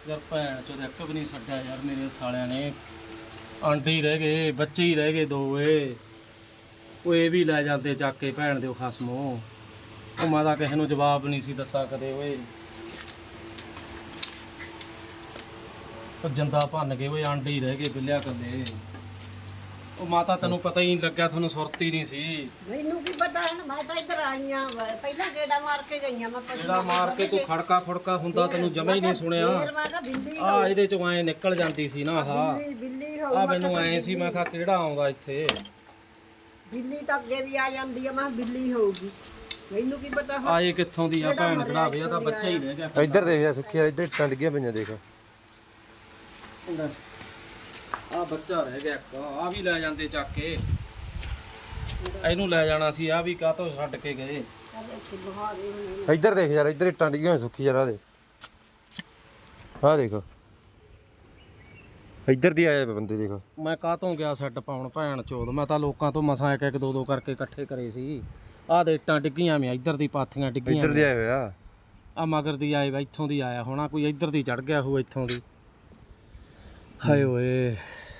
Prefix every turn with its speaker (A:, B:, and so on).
A: यार भैन चो एक भी नहीं छड्या यार मेरे सालियां ने आंडे ही रह गए बच्चे ही रह गए दो वो ये भी लै जाते चक के भैन दे खसमो मैं तो किसी को जवाब नहीं सी दिता कदे ओए जंदा भन गए ओए आंडे ही रह गए बिल्लिया कले ਉਹ ਮਾਤਾ ਤੈਨੂੰ ਪਤਾ ਹੀ ਨਹੀਂ ਲੱਗਿਆ ਤੁਹਾਨੂੰ ਸੁਰਤ ਹੀ ਨਹੀਂ ਸੀ
B: ਮੈਨੂੰ ਕੀ ਪਤਾ ਹੈ ਮੈਂ ਤਾਂ ਇੱਧਰ ਆਈਆਂ ਪਹਿਲਾਂ ਗੇੜਾ ਮਾਰ ਕੇ ਗਈਆਂ ਮੈਂ
A: ਜਿਹੜਾ ਮਾਰ ਕੇ ਤੂੰ ਖੜਕਾ ਖੁੜਕਾ ਹੁੰਦਾ ਤੈਨੂੰ ਜਮਾ ਹੀ ਨਹੀਂ ਸੁਣਿਆ
B: ਫੇਰ ਮੈਂ ਕਿਹਾ ਬਿੱਲੀ
A: ਆ ਇਹਦੇ ਚੋਂ ਐ ਨਿਕਲ ਜਾਂਦੀ ਸੀ ਨਾ ਆਹ
B: ਬਿੱਲੀ
A: ਆ ਮੈਨੂੰ ਐ ਸੀ ਮੈਂ ਕਿਹਾ ਕਿਹੜਾ ਆਉਂਦਾ ਇੱਥੇ
B: ਬਿੱਲੀ ਤਾਂ ਅੱਗੇ ਵੀ ਆ ਜਾਂਦੀ ਆ ਮੈਂ ਕਿਹਾ ਬਿੱਲੀ ਹੋਊਗੀ ਮੈਨੂੰ ਕੀ ਪਤਾ
A: ਆਏ ਕਿੱਥੋਂ ਦੀ ਆ ਭੈਣ ਕਢਾਵੇ ਆ ਤਾਂ ਬੱਚਾ ਹੀ ਰਹਿ ਗਿਆ
C: ਇੱਧਰ ਦੇਖ ਯਾਰ ਸੁੱਖੀ ਇੱਧਰ ਇੱਟਾਂ ਡਿੱਗੀਆਂ ਪਈਆਂ ਦੇਖ
A: ਆ ਬੱਚਾ ਰਹਿ ਗਿਆ ਇੱਕ ਆ ਵੀ ਲੈ ਜਾਂਦੇ ਚੱਕ ਕੇ ਇਹਨੂੰ ਲੈ ਜਾਣਾ ਸੀ ਆ ਵੀ ਕਾਹਤੋਂ ਛੱਡ ਕੇ ਗਏ
C: ਇੱਧਰ ਦੇਖ ਯਾਰ ਇੱਧਰ ਇੱਟਾਂ ਡਿੱਗੀਆਂ ਸੁੱਖੀ ਯਾਰ ਆ ਦੇ ਆ ਦੇਖ ਇੱਧਰ ਦੀ ਆਏ ਬੰਦੇ ਦੇਖ
A: ਮੈਂ ਕਾਹਤੋਂ ਗਿਆ ਸੈੱਟ ਪਾਉਣ ਭੈਣ ਚੋਦ ਮੈਂ ਤਾਂ ਲੋਕਾਂ ਤੋਂ ਮਸਾਂ ਇੱਕ ਦੋ ਦੋ ਕਰਕੇ ਇਕੱਠੇ ਕਰੇ ਸੀ ਆਹ ਦੇ ਇੱਟਾਂ ਡਿੱਗੀਆਂ ਮੈਂ ਇੱਧਰ ਦੀ ਪਾਥੀਆਂ ਡਿੱਗੀਆਂ
C: ਇੱਧਰ ਦੇ ਆਏ ਹੋਇਆ
A: ਆ ਮਗਰ ਦੀ ਆਏ ਵਾ ਇੱਥੋਂ ਦੀ ਆਇਆ ਹੋਣਾ ਕੋਈ ਇੱਧਰ ਦੀ ਚੜ ਗਿਆ ਹੋਊ ਇੱਥੋਂ ਦੀ ਹਾਏ ਓਏ